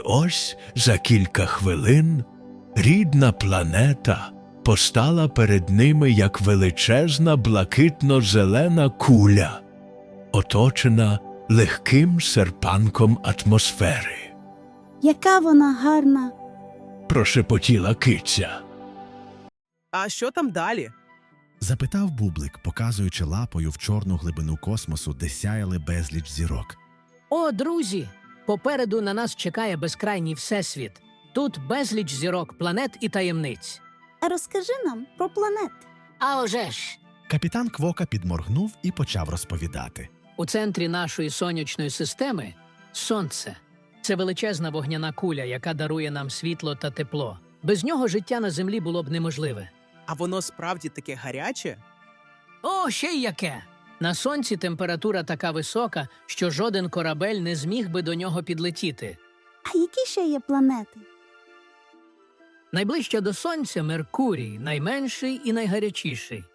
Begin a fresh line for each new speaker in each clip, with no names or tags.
ось за кілька хвилин рідна планета постала перед ними як величезна блакитно-зелена куля, оточена легким серпанком атмосфери.
Яка вона гарна!
Прошепотіла киця.
А що там далі?
Запитав Бублик, показуючи лапою в чорну глибину космосу, де сяяли безліч зірок.
О, друзі! Попереду на нас чекає безкрайній всесвіт. Тут безліч зірок, планет і таємниць.
А розкажи нам про планети.
А вже ж!
Капітан Квока підморгнув і почав розповідати.
У центрі нашої сонячної системи – Сонце. Це величезна вогняна куля, яка дарує нам світло та тепло. Без нього життя на Землі було б неможливе.
А воно справді таке гаряче?
О, ще й яке! На Сонці температура така висока, що жоден корабель не зміг би до нього підлетіти.
А які ще є планети?
Найближча до Сонця – Меркурій, найменший і найгарячіший.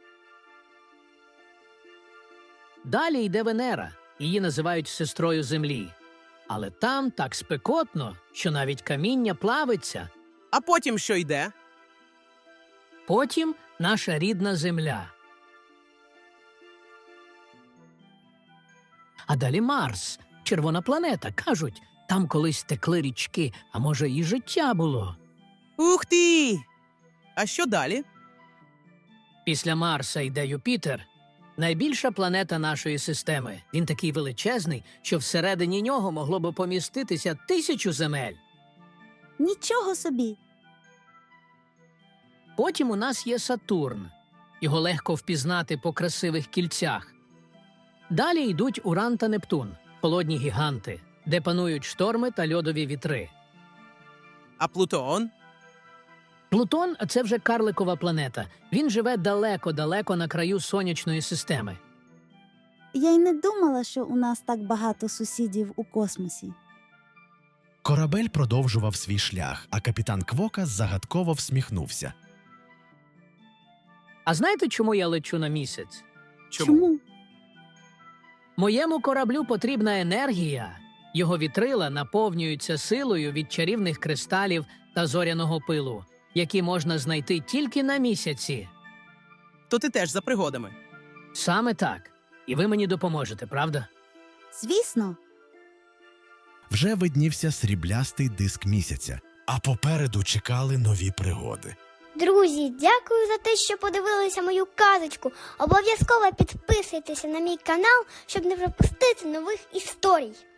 Далі йде Венера, її називають сестрою Землі. Але там так спекотно, що навіть каміння плавиться.
А потім що йде?
Потім наша рідна Земля. А далі Марс, червона планета. Кажуть, там колись текли річки, а може і життя було.
Ух ти! А що далі?
Після Марса йде Юпітер, найбільша планета нашої системи. Він такий величезний, що всередині нього могло б поміститися 1000 земель.
Нічого собі!
Потім у нас є Сатурн. Його легко впізнати по красивих кільцях. Далі йдуть Уран та Нептун, холодні гіганти, де панують шторми та льодові вітри.
А Плутон?
Плутон – це вже карликова планета. Він живе далеко-далеко на краю сонячної системи.
Я й не думала, що у нас так багато сусідів у космосі.
Корабель продовжував свій шлях, а капітан Квока загадково всміхнувся.
А знаєте, чому я лечу на місяць?
Чому?
Моєму кораблю потрібна енергія. Його вітрила наповнюються силою від чарівних кристалів та зоряного пилу, які можна знайти тільки на місяці.
То ти теж за пригодами.
Саме так. І ви мені допоможете, правда?
Звісно.
Вже виднівся сріблястий диск місяця, а попереду чекали нові пригоди.
Друзі, дякую за те, що подивилися мою казочку. Обов'язково підписуйтеся на мій канал, щоб не пропустити нових історій.